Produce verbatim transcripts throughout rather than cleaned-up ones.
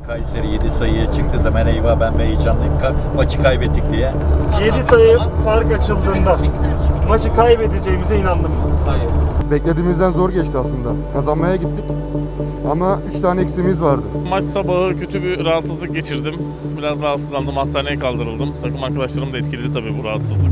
Kayseri yedi sayıya çıktığı zaman eyvah ben heyecanlıyım. Ka- maçı kaybettik diye. yedi sayı fark açıldığında maçı kaybedeceğimize inandım. Hayır. Beklediğimizden zor geçti aslında. Kazanmaya gittik ama üç tane eksiğimiz vardı. Maç sabahı kötü bir rahatsızlık geçirdim. Biraz rahatsızlandım, hastaneye kaldırıldım. Takım arkadaşlarım da etkiledi tabii bu rahatsızlık.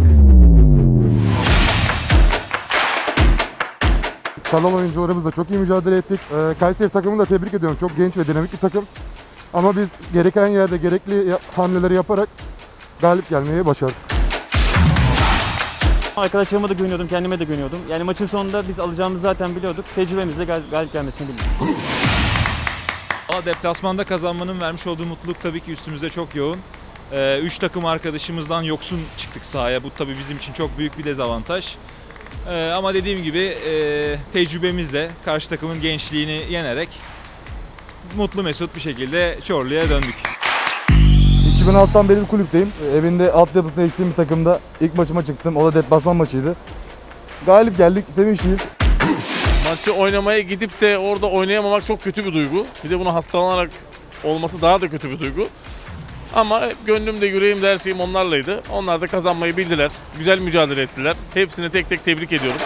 Kalan oyuncularımızla çok iyi mücadele ettik. Ee, Kayseri takımını da tebrik ediyorum. Çok genç ve dinamik bir takım. Ama biz gereken yerde gerekli ya- hamleleri yaparak galip gelmeyi başardık. Arkadaşlarıma da güveniyordum, kendime de güveniyordum. Yani maçın sonunda biz alacağımızı zaten biliyorduk. Tecrübemizle gal- galip gelmesini bildik. Ama deplasmanda kazanmanın vermiş olduğu mutluluk tabii ki üstümüzde çok yoğun. Ee, üç takım arkadaşımızdan yoksun çıktık sahaya. Bu tabii bizim için çok büyük bir dezavantaj. Ee, ama dediğim gibi e, tecrübemizle karşı takımın gençliğini yenerek mutlu mesut bir şekilde Çorlu'ya döndük. iki bin altıdan beri bir kulüpteyim. Evinde altyapısında yetiştiğim bir takımda ilk maçıma çıktım. O da deplasman maçıydı. Galip geldik, sevinçliyiz. Maçı oynamaya gidip de orada oynayamamak çok kötü bir duygu. Bir de bunu hastalanarak olması daha da kötü bir duygu. Ama gönlümde, yüreğimde, her şeyim onlarlaydı. Onlar da kazanmayı bildiler. Güzel mücadele ettiler. Hepsini tek tek tebrik ediyorum.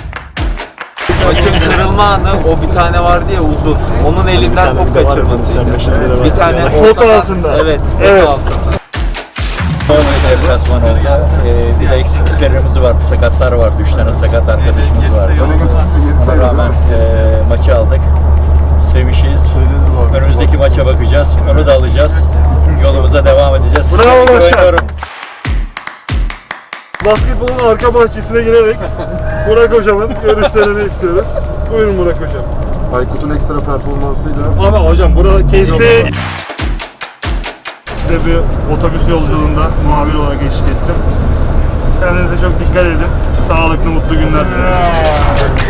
Maçın kırılma anı o bir tane vardı ya uzun. Onun elinden top kaçırmasıydı. Bir tane Pot ortadan- altında. Evet, pot Evet. altında. Normal deplasman oldu. Ee, bir de eksikliklerimiz vardı. Sakatlar vardı. Üç tane sakat arkadaşımız vardı. Ona rağmen e, maçı aldık. Sevişiz. Önümüzdeki maça bakacağız. Onu da alacağız. Yolumuza devam edeceğiz. Size Bravo başkan. güveniyorum. Basketbolun arka bahçesine girerek Burak Hocam'ın görüşlerini istiyoruz. Buyurun Burak Hocam. Aykut'un ekstra performansıyla Ama hocam burada kesti. Size bir otobüs yolculuğunda muhabir olarak eşlik ettim. Kendinize çok dikkat edin. Sağlıklı, mutlu günler dilerim.